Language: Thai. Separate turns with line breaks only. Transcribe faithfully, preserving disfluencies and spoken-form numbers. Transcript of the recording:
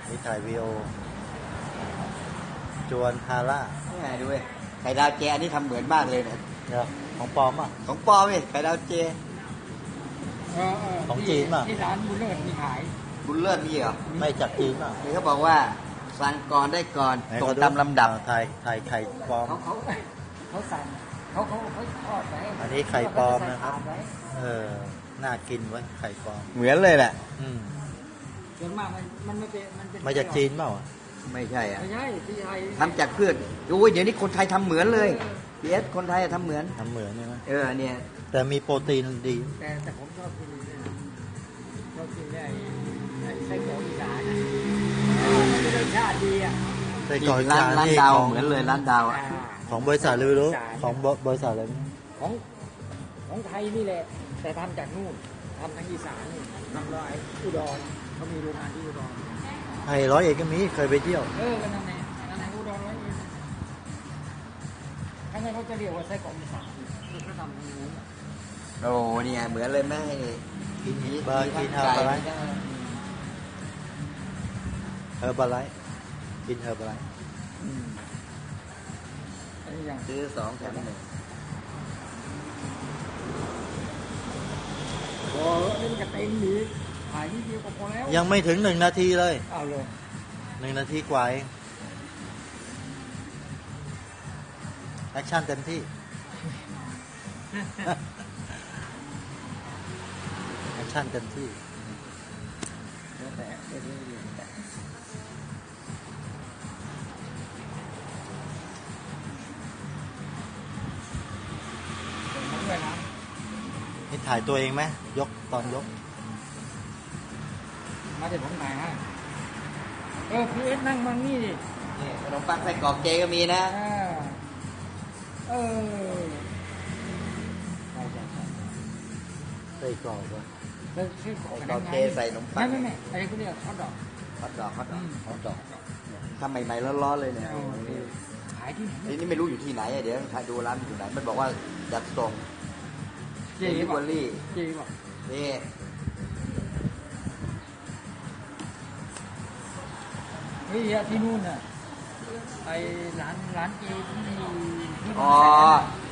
นี่ถ่ายวีโอจวนฮาร่า
นี่ไงดูเว้ยไข่ดาวเจอันนี้ทำเหมือนมากเลยนะ
เดี๋ยวของปลอมอ่ะ
ของปลอมเว้ยไข่ดาวเจ
เออเออ
ของจีนป่ะ
ที่ร้านบุญเลิศมีขาย
บุญเลิศมีเหรอ
ไม่จากจีนป่ะ
นี่เขาบอกว่าสั่งก่อนได้ก่อน
ไหน
ส่ง
ขอ
ตามลำดับ
ถ่ายถ่ายไข่ปลอม
เขาเขาเขาสั่งเขาเขาเขาทอดไว้
อันนี้ไข่ปลอมนะครับ
เขาจใส่ถาดไว้
เออน่ากินไว้ยไข่ปลอม
เหมือนเลยแหละ
อืม
ส่วนมากมันมันไม่เป็นมันเป็น
มาจากจีนเปล่าอ่ะ
ไม่ใช่อ่ะ
ไม่ใช่ที่ไทย
ทำจากพืชโอ้ยเดี๋ยวนี้คนไทยทำเหมือนเลยพีเอสคนไทยทำเหมือน
ทำเหมือนใช่ไหม
เออเนี่ย
แต่มีโปรตีนดี
แต่แต่ผมชอบกินเนี่ยชอบกินได้ไอ้ไส้หมูอีสานอะมันเป็นรสชาติดีอ่ะ
ไส้กรอก
ร้าน
จ
ร้าน
นี่
ดาว
ของ
เหมือนเลยร้านดาวอ่ะ
อ่า
ของบริษัทเลยไม่รู้ของบริษัทอะไรไม่รู้
ของของไทยนี่แหละ แต่ทำจากนู่นทำทางอีสานนี่ทำร้อยอุดรเขามีโรงงานที่อุดร
ไอ้ร้อยเอกก็มีเคยไปเที่ยว
เออกันนั่นแหละนั่นแหละอุดรร้อยเอ็ดถ้างั้นเขาจะเรียกว่าไส้กรอกอีสานที่เขาทำทางนู้นอะ
โอ้เนี่ยเหมือนเลยแม่
กิน
มี
เบอร์กินเฮอร์บาไลท์เฮอร์บาไลท์กินเฮอร์บาไลท์
อืมอันนี้อย่าง
ซื้อสองแถมหนึ่ง
โอ้นี่มันก็เต็มดีขายนิดเดียวก็พอแล้ว
ยังไม่ถึงหนึ่งนาทีเลย
เอาเลย
หนึ่งนาทีกว่าเองแอคชั่นเต็มที่ แอคชั่นเต็มที่
แล้วแต่เรื่อยๆแต่
ผมด้วยนะ
นี่ถ่ายตัวเองไหมยกตอนยก
มาเดี๋ยวผมถ่ายให้เออพีเอสนั่งมังนี่ดิ
นี่ขนมปังไส้กรอกเจก็มีนะ
อ่าเออใช่ใช่ใช่
ใส่กรอกว่ะ
แล้วชื่อของ
ไส้กรอกเจใส่ขนมปั
ไม่
ง
ไม่ไม่อะไรเขาเรียกฮอทดอก
ฮอตดอกฮอตดอก
อืม
ฮอตดอกทำใหม่ๆร้อนๆเลยเนี่ย
เอาขายที่ไหน
นี่นี่ไม่รู้อยู่ที่ไหนอะเดี๋ยวดูร้านมันอยู่ไหนมันบอกว่าจัดส่ง
เจ๊
ลิ
บ
เว
อ
อกรี่
เจ๊บอก
นี่
เฮ้ยที่นู่นน่ะไอ้ร้านร้านเจที่ที่
อ๋อ
มัน